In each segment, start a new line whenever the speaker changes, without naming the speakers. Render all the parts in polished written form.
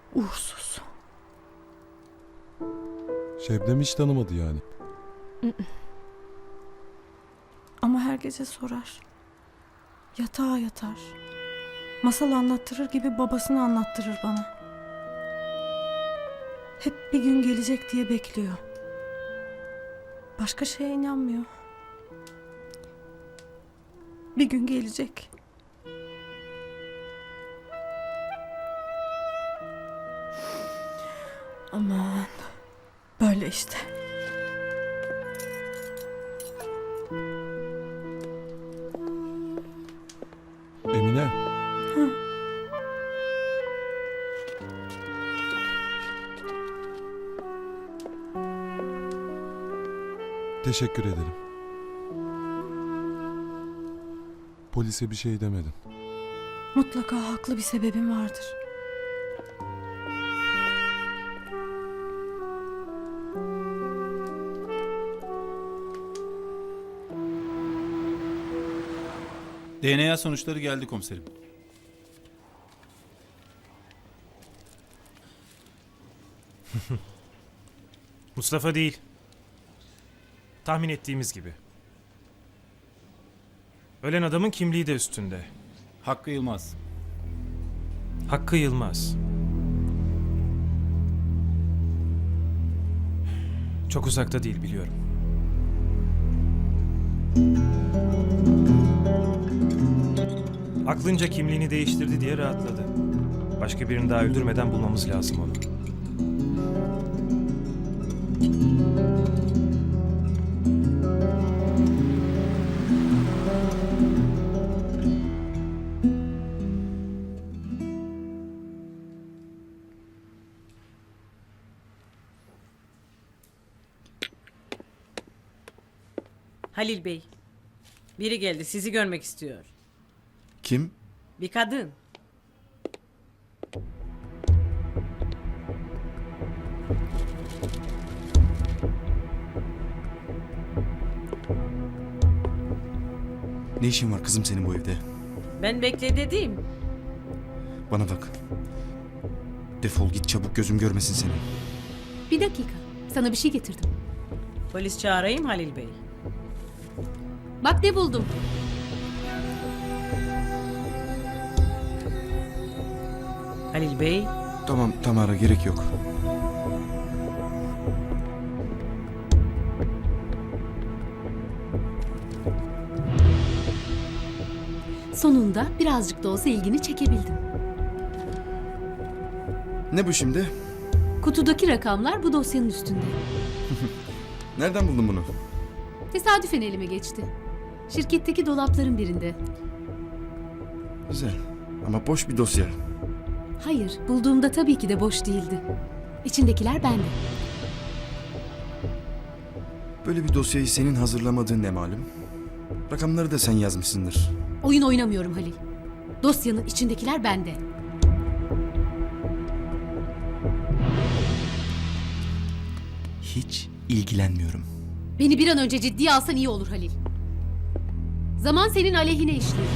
Uğursuz.
Şebnem hiç tanımadı yani.
Ama her gece sorar. Yatağa yatar. Masal anlattırır gibi babasını anlattırır bana. Hep bir gün gelecek diye bekliyor. Başka şeye inanmıyor. Bir gün gelecek. Aman. Böyle işte.
Emine. Teşekkür ederim. Polise bir şey demedin.
Mutlaka haklı bir sebebim vardır.
DNA sonuçları geldi komiserim.
Mustafa değil. Tahmin ettiğimiz gibi. Ölen adamın kimliği de üstünde.
Hakkı Yılmaz.
Hakkı Yılmaz. Çok uzakta değil biliyorum. Aklınca kimliğini değiştirdi diye rahatladı. Başka birini daha öldürmeden bulmamız lazım onu.
Halil Bey, biri geldi, sizi görmek istiyor.
Kim?
Bir kadın.
Ne işin var kızım senin bu evde?
Ben bekle dedim.
Bana bak. Defol git çabuk, gözüm görmesin seni.
Bir dakika. Sana bir şey getirdim.
Polis çağırayım Halil Bey.
Bak ne buldum.
Halil Bey,
Tamam Tamara, gerek yok.
Sonunda birazcık da olsa ilgini çekebildim.
Ne bu şimdi?
Kutudaki rakamlar bu dosyanın üstünde.
Nereden buldun bunu?
Tesadüfen elime geçti. Şirketteki dolapların birinde.
Güzel. Ama boş bir dosya.
Hayır, bulduğumda tabii ki de boş değildi. İçindekiler bende.
Böyle bir dosyayı senin hazırlamadığın ne malum? Rakamları da sen yazmışsındır.
Oyun oynamıyorum Halil. Dosyanın içindekiler bende.
Hiç ilgilenmiyorum.
Beni bir an önce ciddiye alsan iyi olur Halil. Zaman senin aleyhine işliyor.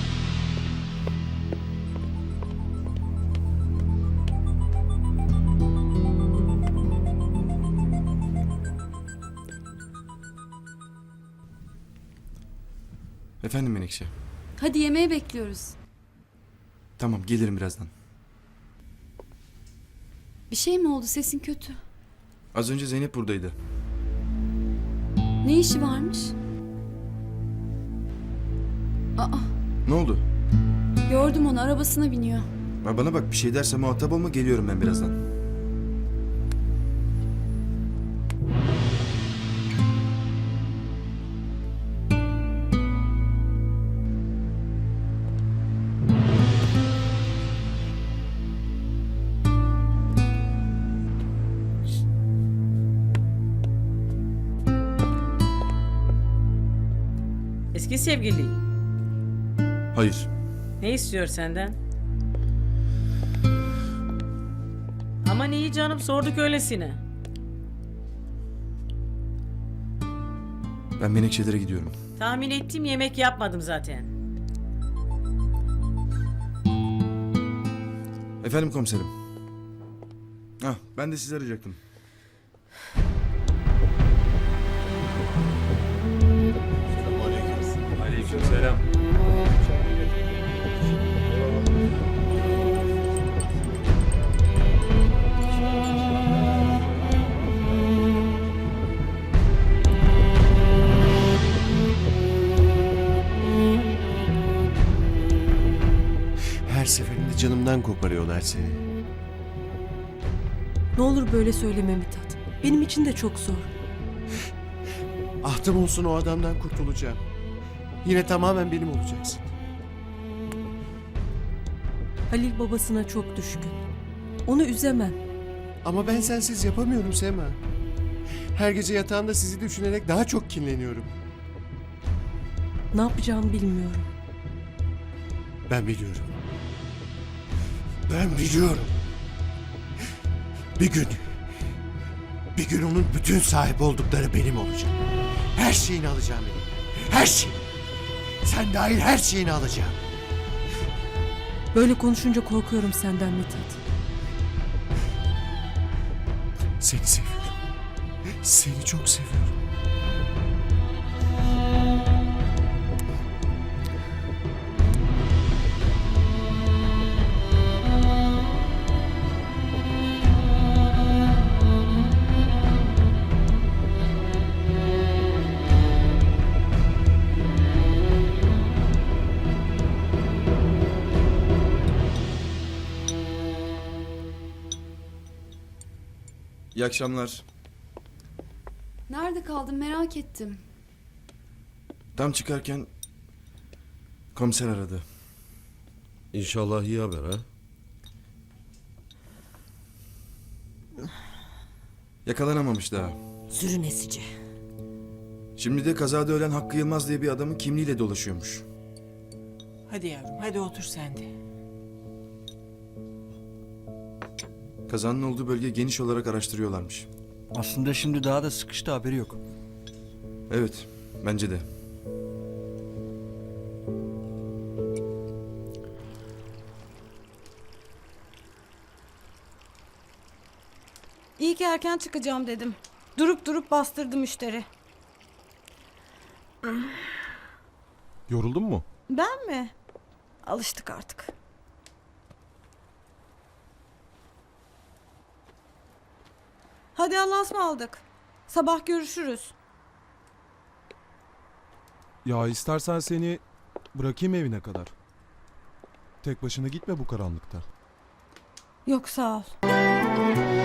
Efendim Menekşe?
Hadi yemeğe bekliyoruz.
Tamam, gelirim birazdan.
Bir şey mi oldu? Sesin kötü.
Az önce Zeynep buradaydı.
Ne işi varmış? Aa,
Ne oldu?
gördüm onu, arabasına biniyor.
Bana bak, bir şey derse muhatap olma, geliyorum ben birazdan.
eski sevgili.
Hayır.
Ne istiyor senden? Aman iyi canım, sorduk öylesine.
Ben Menekşelere gidiyorum.
Tahmin ettim, yemek yapmadım zaten.
Efendim komiserim. Ben de sizi arayacaktım.
Aleykümselam.
Her seferinde canımdan koparıyorlar seni.
Ne olur böyle söyleme Mithat. Benim için de çok zor.
Ahtım olsun o adamdan kurtulacağım. Yine tamamen benim olacaksın.
Halil babasına çok düşkün. Onu üzemem.
Ama ben sensiz yapamıyorum Sema. Her gece yatağımda sizi düşünerek daha çok kinleniyorum.
Ne yapacağımı bilmiyorum.
Ben biliyorum. Ben biliyorum. Bir gün onun bütün sahip oldukları benim olacak. Her şeyini alacağım elimden. Her şey. Sen dahil her şeyini alacağım.
Böyle konuşunca korkuyorum senden Mithat.
Seni seviyorum. Seni çok seviyorum.
İyi akşamlar.
Nerede kaldın merak ettim.
Tam çıkarken komiser aradı.
İnşallah iyi haber ha.
Yakalanamamış daha.
Sürün esici.
Şimdi de kazada ölen Hakkı Yılmaz diye bir adamın kimliğiyle dolaşıyormuş.
Hadi yavrum, hadi otur sen de.
Kazanın olduğu bölge geniş olarak araştırıyorlarmış.
Aslında şimdi daha da sıkıştı, haberi yok.
Evet, bence de.
İyi ki erken çıkacağım dedim. Durup durup bastırdı müşteri.
Yoruldun mu?
Ben mi? Alıştık artık. Hadi Allah'a ısmarladık. Sabah görüşürüz.
Ya istersen seni bırakayım evine kadar. Tek başına gitme bu karanlıkta.
Yok sağ ol.